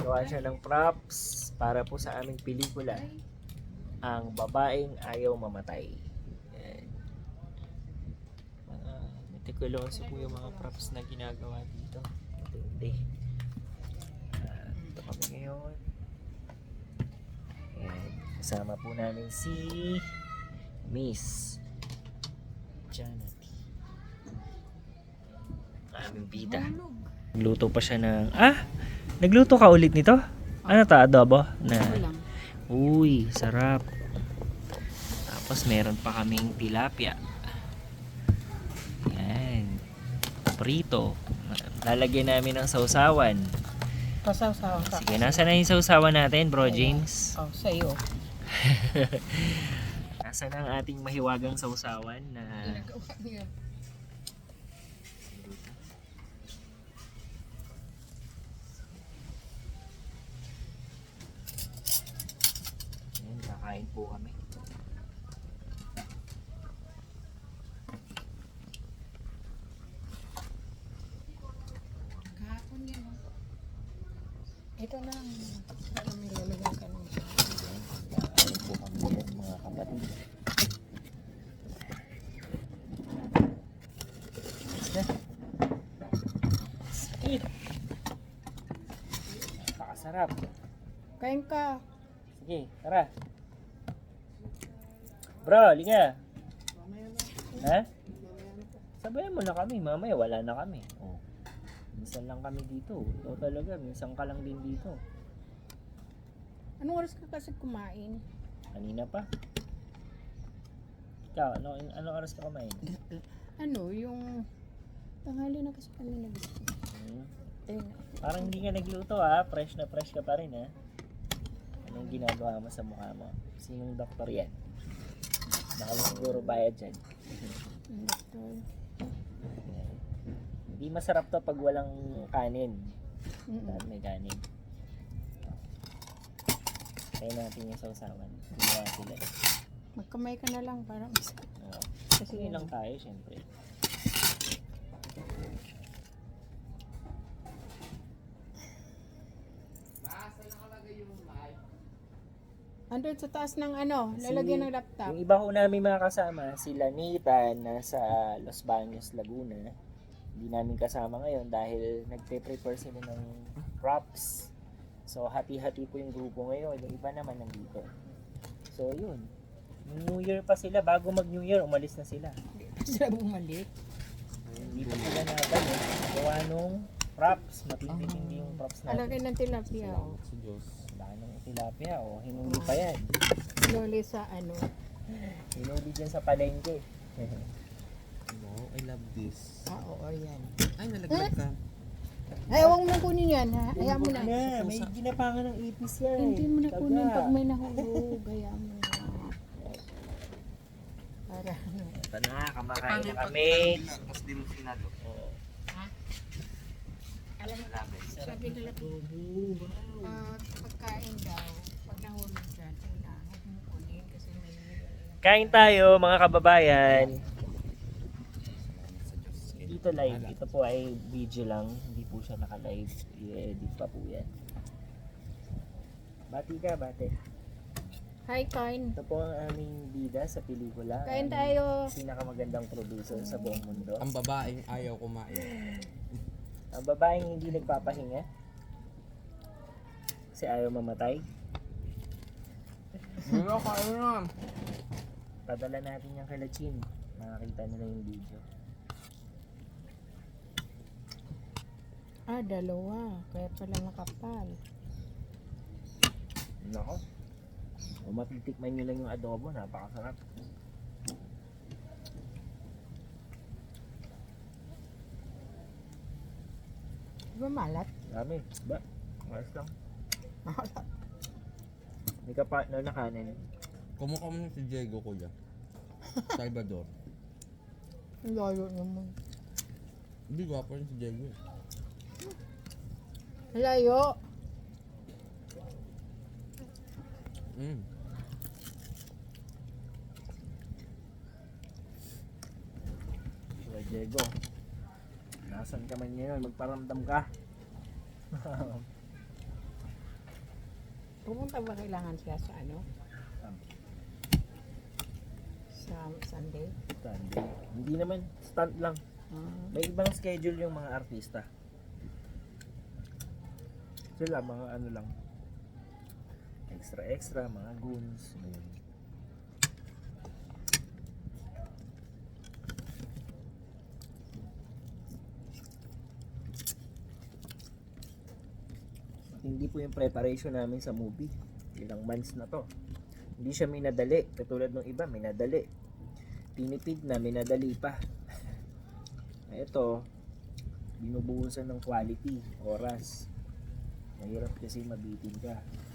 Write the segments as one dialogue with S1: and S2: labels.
S1: Gumagawa siya ng props para po sa aming pelikula, Ang Babaeng Ayaw Mamatay. Yan. Mga meticuloso po yung mga props na ginagawa dito. Matindi. Ito kami ngayon. Yan. Kasama po namin si Miss Janet. Aming bida. Nagluto pa siya ng... Nagluto ka ulit nito? Ano to? Adobo? Uy, sarap. Tapos meron pa kaming tilapia. Yan. Prito. Lalagyan namin ng sausawan.
S2: Pasaw-saw ka.
S1: Sige, nasa na yung sausawan natin, Bro James?
S2: Oh, sa'yo.
S1: Nasa na ang ating mahiwagang sausawan na...
S2: Ginagawa niya.
S1: Ayan, kakain po kami.
S2: Kahapon yan. Ito na. Para may lalagyan ka ng
S1: Kakain po kami ulit, mga kapatid. Yes, Sakit! Napakasarap.
S2: kain ka.
S1: Sige, tara. Bro, liga. Ha? Sabayan mo na kami, mamaya wala na kami. Oh. Minsan lang kami dito. Ikaw talaga, minsan ka lang din dito.
S2: Anong oras ka kasi kumain?
S1: Kanina pa. Ikaw, ano oras ka kumain?
S2: Ano, yung tanghali na kasi kami nag-gusto.
S1: Parang hindi ka nagluto fresh na fresh ka pa rin Anong ginagawa mo sa mukha mo? Sinong doktor yan? Baka siguro bayad dyan.
S2: Doktor.
S1: Hindi masarap to pag walang kanin. Dahil may kanin. Kaya natin yung sausawan. Ginawa sila.
S2: Magkamay ka na lang para mas...
S1: Kasi yun lang tayo, syempre.
S2: Andun sa taas ng ano, lalagyan ng laptop.
S1: Yung iba ko namin mga kasama, sila Nathan nasa Los Baños, Laguna. Hindi namin kasama ngayon dahil nagpe-prepare sila ng props. So hati-hati po yung grupo ngayon, yung iba naman nandito. So yun, New Year pa sila, bago mag New Year umalis na sila.
S2: Sila bumalik.
S1: Hindi pa sila natin gawa nung props, matindi-tindi yung props natin.
S2: Alagay ng tilapia.
S1: Si Diyos. Laki ng tilapia hinuli pa yan.
S2: Loli sa ano.
S1: Hinuli dyan sa palengke.
S3: No, I love this.
S2: Oo, yan.
S3: Ay, nalaglag ka.
S2: Ay, huwag mo kunin yan, ha? Hayaan mo na.
S1: May ginapangan ng ipis yan.
S2: Hindi mo na kunin pag may nahulog. Hayaan mo na. Para ano.
S1: Ito na, kamakain na kami.
S3: Tapos di mo sinalo.
S2: Alam mo, sabi nila, pagkain daw, pag nahulog dyan, huwag mo kunin kasi may
S1: Kain tayo mga kababayan. Dito live. Ito po ay video lang. Hindi po siya naka-live. I-edit pa po yan. Bati ka, bate.
S2: Hi, kain.
S1: Ito po ang aming bida sa pelikula.
S2: Kain
S1: Ang
S2: tayo.
S1: Pinakamagandang producer sa buong mundo.
S3: Ang babaeng ayaw kumain.
S1: Ang babaeng hindi nagpapahinga. Kasi ayaw mamatay.
S3: Wala ka, ano na.
S1: Padala natin yung kay Lachin. Makakita nila yung video.
S2: Dalawa. Kaya pala nakapal.
S1: Nako. O matitikman nyo lang yung adobo. Napakasarap.
S2: Di ba malat?
S1: Dami. Ba? Ayos lang.
S2: Malat.
S1: May ka-partner na kanin.
S3: Kumukha mo si Diego, kuya. Salvador.
S2: Ang layo naman.
S3: Hindi, gwapo rin si Diego.
S2: Layo.
S1: Kuya Diego. Nasaan ka man ngayon? Magparamdam ka.
S2: Pumunta ba kailangan siya sa ano? Sa Sunday?
S1: Sunday. Hindi naman, stunt lang. May ibang schedule yung mga artista. Sila, mga ano lang. Extra, mga goons. Ayun. Hindi po yung preparation namin sa movie. Ilang months na to. Hindi siya minadali. Katulad ng iba, minadali. Tinipid na, minadali pa. Ito, binubuhusan ng quality, oras. Mahirap kasi mabitin ka.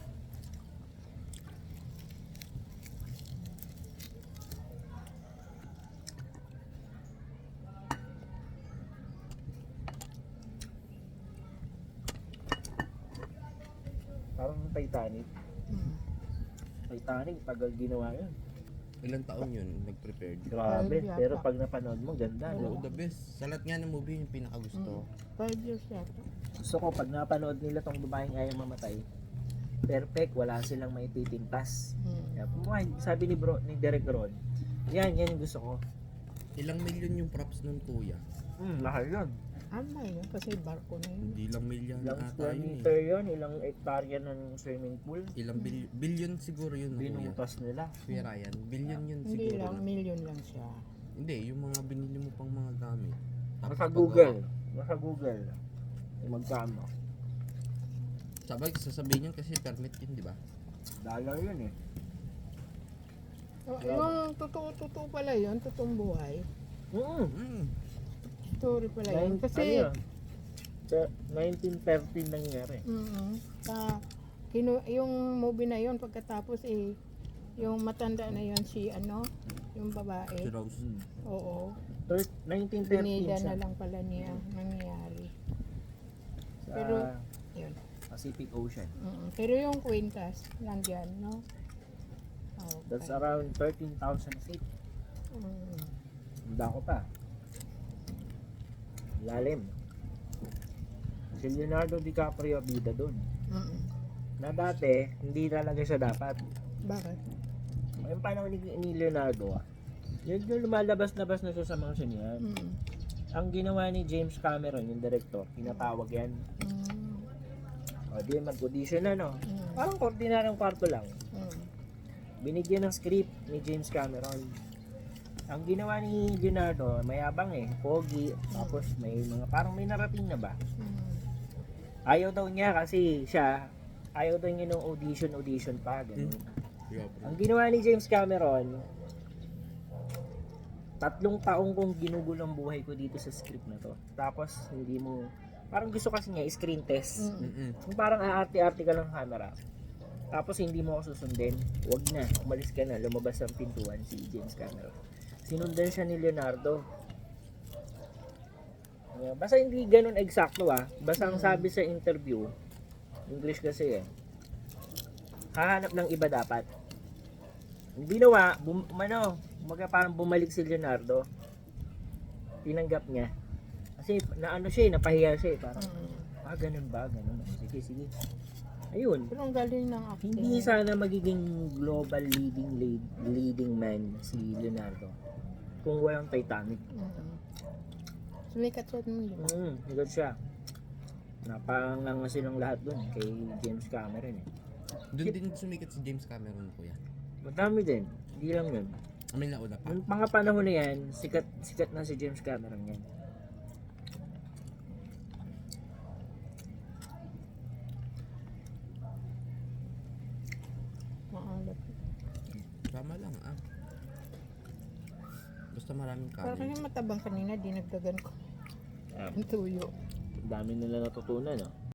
S1: Parang Titanic. Titanic, tagal ginawa yun.
S3: Ilang taon yun, nag-prepared.
S1: Grabe,
S2: Yata.
S1: pero pag napanood mo, ganda.
S3: Oo,
S1: No?
S3: the best. Sa lahat nga ng movie, yung pinakagusto.
S2: 5 years yata.
S1: Gusto ko, pag napanood nila tong babaeng ayaw mamatay, perfect, wala silang may titintas. Kaya, sabi ni Derek Ron, yan yung gusto ko.
S3: Ilang milyon yung props nun, kuya?
S1: Lahal yun.
S2: Ama yun, kasi barko na yun.
S3: Hindi lang milyon
S1: Ilang
S3: ata
S1: square
S3: yun
S1: meter yun, ilang hektarya ng swimming pool.
S3: Ilang billion siguro yun, kuya.
S1: Binutas nila.
S3: Kuya Ryan, billion yun
S2: Hindi
S3: siguro.
S2: lang, million lang siya.
S3: Hindi, yung mga binili mo pang mga gamit. Tapos
S1: Nasa
S3: pag-
S1: Google. Nasa Google. Magkano.
S3: Sabay, sasabihin yun kasi permit yun, di ba?
S1: Dollar yun eh.
S2: Oh, yung totoo pala yun, totoong buhay.
S3: Mm.
S2: Story pala yun. Kasi,
S1: Ano yun? Sa 1913 nangyari.
S2: yung movie na yun, pagkatapos yung matanda na yun si yung
S3: Si
S2: babae.
S3: Rose.
S2: Oo.
S1: 1913
S2: Pinida
S1: siya.
S2: na lang pala niya nangyayari.
S1: Sa
S2: Pero- Yun.
S1: Pacific Ocean.
S2: Pero yung kwintas, nandiyan, no? Okay.
S1: That's around 13,000 feet.
S2: Mm.
S1: Handa ko pa. Lalim. Si Leonardo DiCaprio bida doon.
S2: Mm.
S1: Na dati, hindi talaga siya dapat.
S2: Bakit?
S1: Yung panahon ni Leonardo, yung lumalabas-labas na siya sa mga sinihan.
S2: Mm.
S1: Ang ginawa ni James Cameron, yung director, pinatawag yan.
S2: Mm.
S1: O di, mag-audition na, no?
S2: Mm.
S1: Parang ordinaryong kwarto lang.
S2: Mm.
S1: Binigyan ng script ni James Cameron. Ang ginawa ni Leonardo, mayabang eh, pogi, tapos may mga, parang may narating na ba?
S2: Mm.
S1: Ayaw daw niya kasi siya, ayaw daw niya ng audition pa, ganun.
S3: Yeah, bro.
S1: Ang ginawa ni James Cameron, 3 taong kong ginugulo ang buhay ko dito sa script na to. Tapos, hindi mo, parang gusto kasi niya, screen test.
S2: Mm.
S3: Mm-mm.
S1: Yung parang aarte-arte ka lang camera. Tapos, hindi mo ako susundin. Wag na, umalis ka na, lumabas ang pintuan si James Cameron. Sinundan siya ni Leonardo. Basta hindi ganun eksakto Basta ang sabi sa interview, English kasi hahanap ng iba dapat. Ang ginawa, parang bumalik si Leonardo. Tinanggap niya. Kasi naano siya napahiya siya parang,
S2: Mm.
S1: ganun ba? Ganun. Sige. Ayun.
S2: Pero ang galing ng acting.
S1: Hindi sana magiging global leading man si Leonardo kung walang Titanic.
S2: Mm. Sumikat siya nun, di ba?
S1: Higad siya. Napanganga silang lahat dun kay James Cameron
S3: Doon din sumikat si James Cameron, kuya.
S1: Madami din. Hindi lang yun.
S3: Amin nauna pa.
S1: Yung mga panahon na yan, sikat na si James Cameron yan.
S2: Maalat.
S3: Tama lang, Basta maraming
S2: Parang
S3: kanin.
S2: yung matabang kanina, dinagdagan ko.
S1: Um,
S2: Ang tuyo.
S1: dami nila natutunan,